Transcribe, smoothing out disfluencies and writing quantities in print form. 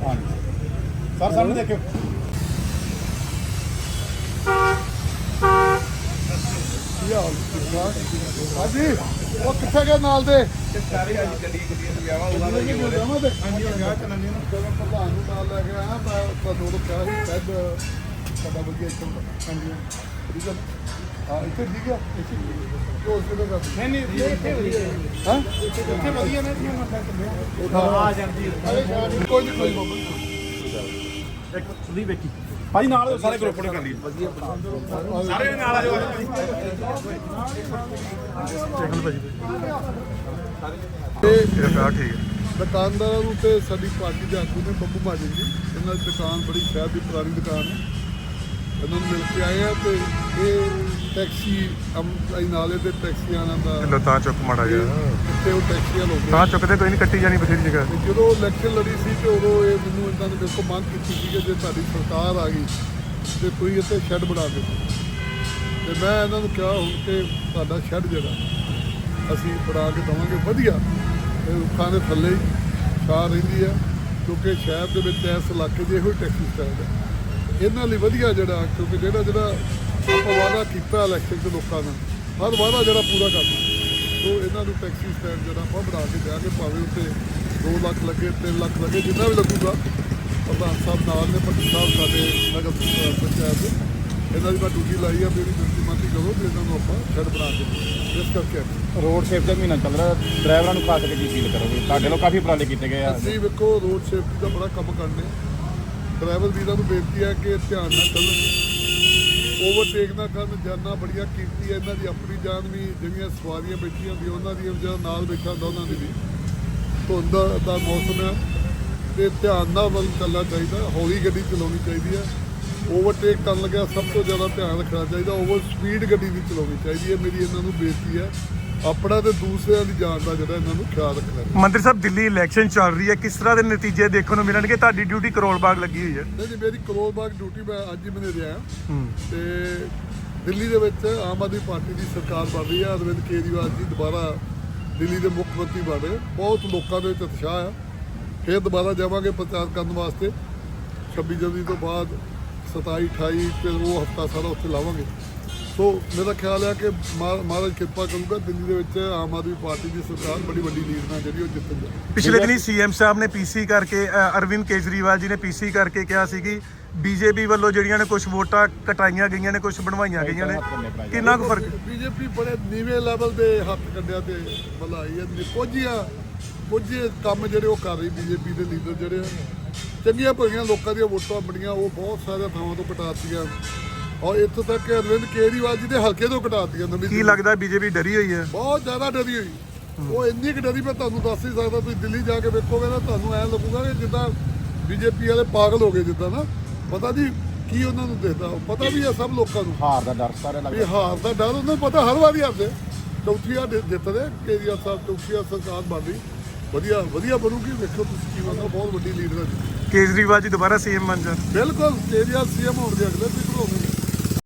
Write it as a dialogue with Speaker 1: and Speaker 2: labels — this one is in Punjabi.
Speaker 1: ਸਰ ਸਾਹਮਣੇ ਦੇਖਿਓ। ਹਾਂਜੀ ਉਹ ਕਿੱਥੇ ਗਏ ਨਾਲ ਦੇ
Speaker 2: ਸਾਰੇ ਅੱਜ ਗੱਡੀ ਵਿਆਹ ਹੋਊਗਾ
Speaker 1: ਹਾਂਜੀ ਵਿਆਹ ਚੱਲਣ ਦੇ ਨਾ ਪ੍ਰਧਾਨ ਨੂੰ ਨਾਲ ਲੈ ਕੇ ਆਇਆ ਮੈਂ ਤੁਹਾਨੂੰ ਕਿਹਾ ਸੀ ਸ਼ਾਇਦ ਸਾਡਾ ਵਧੀਆ ਇੱਥੇ ਹਾਂਜੀ ਠੀਕ ਹੈ ਹਾਂ ਇੱਥੇ ਠੀਕ ਆ ਉਹ ਹਸਪੀਟਲ ਦਾ
Speaker 2: ਨਹੀਂ ਇੱਥੇ ਵਧੀਆ
Speaker 1: ਹਾਂ
Speaker 2: ਇੱਥੇ ਵਧੀਆ ਨੇ
Speaker 1: ਆ ਜਾਂਦੀ ਕੋਈ ਨਹੀਂ
Speaker 2: ਇੱਕ ਸੁਣੀ ਵੇਖੀ ਭਾਈ ਨਾਲ ਸਾਰੇ ਗਰੁੱਪ ਨੇ ਕਰ ਲਈ ਵਧੀਆ ਸਾਰੇ ਨਾਲ ਆ ਜਾਓ
Speaker 1: ਠੀਕ ਹੈ ਦੁਕਾਨਦਾਰਾਂ ਨੂੰ ਤੇ ਸਾਡੀ ਪਾਰਟੀ ਦੇ ਆਗੂ ਨੇ ਬੱਬੂ ਮਾਜਨ ਜੀ ਇਹਨਾਂ ਦੀ ਦੁਕਾਨ ਬੜੀ ਸ਼ਹਿਰ ਦੀ ਪੁਰਾਣੀ ਦੁਕਾਨ ਹੈ ਇਹਨਾਂ ਨੂੰ ਮਿਲ ਕੇ ਆਏ ਆ ਤੇ ਇਹ ਟੈਕਸੀ ਨਾਲੇ ਦੇ ਟੈਕਸੀਆਂ ਦਾ
Speaker 3: ਤਾਂ ਚੁੱਕ ਮਾੜਾ ਜਿਹਾ
Speaker 1: ਕਿਤੇ ਉਹ ਟੈਕਸੀਆਂ ਲੋਕ
Speaker 3: ਤਾਂ ਚੁੱਕਦੇ ਕੋਈ ਨਹੀਂ ਕੱਟੀ ਜਾਣੀ ਬਥੇਰੀ ਜਗ੍ਹਾ
Speaker 1: ਤੇ ਜਦੋਂ ਇਲੈਕਸ਼ਨ ਲੜੀ ਸੀ ਤੇ ਉਦੋਂ ਇਹ ਮੈਨੂੰ ਇਹਨਾਂ ਨੇ ਮੇਰੇ ਕੋਲ ਮੰਗ ਕੀਤੀ ਸੀ ਕਿ ਜੇ ਤੁਹਾਡੀ ਸਰਕਾਰ ਆ ਗਈ ਤੇ ਤੁਸੀਂ ਇੱਥੇ ਸ਼ੈੱਡ ਬਣਾ ਦਿਓ ਤੇ ਮੈਂ ਇਹਨਾਂ ਨੂੰ ਕਿਹਾ ਹੁਣ ਕਿ ਤੁਹਾਡਾ ਸ਼ੈੱਡ ਜਿਹੜਾ ਅਸੀਂ ਬਣਾ ਕੇ ਦੇਵਾਂਗੇ ਵਧੀਆ ਇਹ ਰੁੱਖਾਂ ਦੇ ਥੱਲੇ ਹੀ ਛਾਂ ਰਹਿੰਦੀ ਹੈ ਕਿਉਂਕਿ ਸ਼ਹਿਰ ਦੇ ਵਿੱਚ ਇਸ ਇਲਾਕੇ 'ਚ ਇਹੋ ਹੀ ਟੈਕਸੀ ਸਟੈਂਡ ਹੈ ਇਹਨਾਂ ਲਈ ਵਧੀਆ ਜਿਹੜਾ ਕਿਉਂਕਿ ਜਿਹੜਾ ਆਪਾਂ ਵਾਅਦਾ ਕੀਤਾ ਇਲੈਕਸ਼ਨ 'ਚ ਲੋਕਾਂ ਨਾਲ ਹਰ ਵਾਅਦਾ ਜਿਹੜਾ ਪੂਰਾ ਕਰਨਾ ਸੋ ਇਹਨਾਂ ਨੂੰ ਟੈਕਸੀ ਸਟੈਂਡ ਜਿਹੜਾ ਆਪਾਂ ਬਣਾ ਕੇ ਦਿਆਂਗੇ ਭਾਵੇਂ ਉੱਤੇ 2 ਲੱਖ ਲੱਗੇ 3 ਲੱਖ ਲੱਗੇ ਜਿੰਨਾ ਵੀ ਲੱਗੂਗਾ ਪ੍ਰਧਾਨ ਸਾਹਿਬ ਨਾਲ ਨੇ ਪੱਟੀ ਸਾਹਿਬ ਸਾਡੇ ਨਗਰ ਪੰਚਾਇਤ ਦੇ ਇਹਨਾਂ ਦੀ ਮੈਂ ਡਿਊਟੀ ਲਾਈ ਆ ਮੇਰੀ ਡਿਊਟੀ ਮੰਤੀ ਕਰੋ ਤੇ ਇਹਨਾਂ ਨੂੰ ਆਪਾਂ ਸ਼ੈੱਡ ਬਣਾ ਕੇ ਇਸ ਕਰਕੇ
Speaker 2: ਰੋਡ ਸੇਫਟੀ ਦਾ ਮਹੀਨਾ ਚੱਲ ਰਿਹਾ ਡਰਾਈਵਰਾਂ ਨੂੰ ਖਾਸ ਕਰਕੇ ਕੀ ਫੀਲ ਕਰੋਗੇ ਤੁਹਾਡੇ ਲੋਕ ਕਾਫੀ ਉਪਰਾਲੇ ਕੀਤੇ ਗਏ ਆ
Speaker 1: ਅਸੀਂ ਵੇਖੋ ਰੋਡ ਸੇਫਟੀ ਦਾ ਬੜਾ ਕੰਮ ਕਰਨੇ ਡਰਾਈਵਰ ਵੀਰਾਂ ਨੂੰ ਬੇਨਤੀ ਹੈ ਕਿ ਧਿਆਨ ਨਾਲ ਚੱਲਣ ਓਵਰਟੇਕ ਨਾ ਕਰਨ ਜਾਨਾਂ ਬੜੀਆਂ ਕੀਮਤੀ ਹੈ ਇਹਨਾਂ ਦੀ ਆਪਣੀ ਜਾਨ ਵੀ ਜਿਹੜੀਆਂ ਸਵਾਰੀਆਂ ਬੈਠੀਆਂ ਹੁੰਦੀਆਂ ਉਹਨਾਂ ਦੀ ਜਿਹੜਾ ਨਾਲ ਬੈਠਾ ਹੁੰਦਾ ਉਹਨਾਂ ਦੀ ਵੀ ਧੁੰਦ ਦਾ ਮੌਸਮ ਹੈ ਤੇ ਧਿਆਨ ਨਾਲ ਵੱਲ ਚੱਲਣਾ ਚਾਹੀਦਾ ਹੌਲੀ ਗੱਡੀ ਚਲਾਉਣੀ ਚਾਹੀਦੀ ਹੈ ਓਵਰਟੇਕ ਕਰਨ ਲੱਗਿਆ ਸਭ ਤੋਂ ਜ਼ਿਆਦਾ ਧਿਆਨ ਰੱਖਣਾ ਚਾਹੀਦਾ ਓਵਰ ਸਪੀਡ ਗੱਡੀ ਨਹੀਂ ਚਲਾਉਣੀ ਚਾਹੀਦੀ ਹੈ ਮੇਰੀ ਇਹਨਾਂ ਨੂੰ ਬੇਨਤੀ ਹੈ ਆਪਣਾ ਤੇ ਦੂਸਰਿਆਂ ਦੀ ਜਾਨ ਦਾ ਜਿਹੜਾ ਇਹਨਾਂ ਨੂੰ ਖਿਆਲ ਰੱਖਣਾ
Speaker 3: ਮੰਤਰੀ ਸਾਹਿਬ ਦਿੱਲੀ ਇਲੈਕਸ਼ਨ ਚੱਲ ਰਹੀ ਹੈ ਕਿਸ ਤਰ੍ਹਾਂ ਦੇ ਨਤੀਜੇ ਦੇਖਣ ਨੂੰ ਮਿਲਣਗੇ ਤੁਹਾਡੀ ਡਿਊਟੀ ਕਰੋਲ ਬਾਗ ਲੱਗੀ ਹੋਈ ਹੈ
Speaker 1: ਨਹੀਂ ਮੇਰੀ ਕਰੋਲ ਬਾਗ ਡਿਊਟੀ ਮੈਂ ਅੱਜ ਹੀ ਮੈਨੇ ਰਿਹਾ ਤੇ ਦਿੱਲੀ ਦੇ ਵਿੱਚ ਆਮ ਆਦਮੀ ਪਾਰਟੀ ਦੀ ਸਰਕਾਰ ਬਣ ਰਹੀ ਹੈ ਅਰਵਿੰਦ ਕੇਜਰੀਵਾਲ ਜੀ ਦੁਬਾਰਾ ਦਿੱਲੀ ਦੇ ਮੁੱਖ ਮੰਤਰੀ ਬਣ ਰਹੇ ਬਹੁਤ ਲੋਕਾਂ ਦੇ ਵਿੱਚ ਉਤਸ਼ਾਹ ਆ ਫਿਰ ਦੁਬਾਰਾ ਜਾਵਾਂਗੇ ਪ੍ਰਚਾਰ ਕਰਨ ਵਾਸਤੇ 26 ਜਨਵਰੀ ਤੋਂ ਬਾਅਦ 27 28 ਫਿਰ ਉਹ ਹਫਤਾ ਸਾਰਾ ਉੱਥੇ ਲਾਵਾਂਗੇ ਸੋ ਮੇਰਾ ਖਿਆਲ ਹੈ ਕਿ ਮਹਾਰਾਜ ਕਿਰਪਾ ਕਰੂਗਾ ਦਿੱਲੀ ਦੇ ਵਿੱਚ ਆਮ ਆਦਮੀ ਪਾਰਟੀ ਦੀ ਸਰਕਾਰ ਬੜੀ ਵੱਡੀ ਲੀਡ ਨਾਲ ਜਿਹੜੀ ਉਹ ਜਿੱਤੇਗੀ
Speaker 3: ਪਿਛਲੇ ਦਿਨੀ ਸੀਐਮ ਸਾਹਿਬ ਨੇ ਪੀਸੀ ਕਰਕੇ ਅਰਵਿੰਦ ਕੇਜਰੀਵਾਲ ਜੀ ਨੇ ਪੀਸੀ ਕਰਕੇ ਕਿਹਾ ਸੀ ਕਿ ਬੀਜੇਪੀ ਵੱਲੋਂ ਜਿਹੜੀਆਂ ਨੇ ਕੁਝ ਵੋਟਾਂ ਕਟਾਈਆਂ ਗਈਆਂ ਨੇ ਕੁਝ ਬਣਵਾਈਆਂ ਗਈਆਂ ਨੇ ਕਿੰਨਾ ਕੁ ਫਰਕ
Speaker 1: ਬੀਜੇਪੀ ਬੜੇ ਨੀਵੇਂ ਲੈਵਲ ਦੇ ਹੱਥ ਕੰਡਿਆਂ ਤੇ ਬੁਲਾਈ ਹੈ ਕੁਝ ਕੰਮ ਜਿਹੜੇ ਉਹ ਕਰ ਰਹੀ ਬੀਜੇਪੀ ਦੇ ਲੀਡਰ ਜਿਹੜੇ ਆ ਚੰਗੀਆਂ ਭਲੀਆਂ ਲੋਕਾਂ ਦੀਆਂ ਵੋਟਾਂ ਬਣੀਆਂ ਉਹ ਬਹੁਤ ਸਾਰੇ ਥਾਵਾਂ ਤੋਂ ਕਟਾਤੀਆਂ ਔਰ ਇੱਥੋਂ ਤੱਕ ਕਿ ਅਰਵਿੰਦ ਕੇਜਰੀਵਾਲ ਜੀ ਦੇ ਹਲਕੇ ਤੋਂ ਕਟਾਤੀਆਂ ਨਵੀਂ
Speaker 3: ਕੀ ਲੱਗਦਾ ਬੀਜੇਪੀ ਡਰੀ ਹੋਈ ਹੈ
Speaker 1: ਬਹੁਤ ਜ਼ਿਆਦਾ ਡਰੀ ਹੋਈ ਉਹ ਇੰਨੀ ਕੁ ਡਰੀ ਮੈਂ ਤੁਹਾਨੂੰ ਦੱਸ ਨਹੀਂ ਸਕਦਾ ਤੁਸੀਂ ਦਿੱਲੀ ਜਾ ਕੇ ਵੇਖੋਗੇ ਨਾ ਤੁਹਾਨੂੰ ਐਂ ਲੱਗੂਗਾ ਕਿ ਜਿੱਦਾਂ ਬੀਜੇਪੀ ਵਾਲੇ ਪਾਗਲ ਹੋ ਗਏ ਜਿੱਦਾਂ ਨਾ ਪਤਾ ਨਹੀਂ ਕੀ ਉਹਨਾਂ ਨੂੰ ਦਿਖਦਾ ਪਤਾ ਵੀ ਹੈ ਸਭ ਲੋਕਾਂ ਨੂੰ
Speaker 2: ਹਾਰ ਦਾ ਡਰ ਸਾਰੇ
Speaker 1: ਵੀ ਹਾਰ ਦਾ ਡਰ ਉਹਨਾਂ ਨੂੰ ਪਤਾ ਹਰ ਵਾਰੀ ਆਉਂਦੇ ਚੌਥੀ ਵਾਰ ਜਿੱਤਦੇ ਕੇਜਰੀਵਾਲ ਸਾਹਿਬ ਚੌਥੀ ਵਾਰ ਸਰਕਾਰ ਬਣ ਰਹੀ ਵਧੀਆ ਬਣੂਗੀ ਵੇਖੋ ਤੁਸੀਂ ਕੀ ਬਣਦਾ ਬਹੁਤ ਵੱਡੀ ਲੀਡਰ ਹੈ
Speaker 3: ਕੇਜਰੀਵਾਲ ਜੀ ਦੁਬਾਰਾ ਸੀਐਮ ਬਣ ਜਾਣ
Speaker 1: ਬਿਲਕੁਲ ਕੇਜਰੀਵਾਲ ਸੀਐਮ ਹੋਣਗੇ ਅਗਲੇ ਵੀ ਹੋਣਗੇ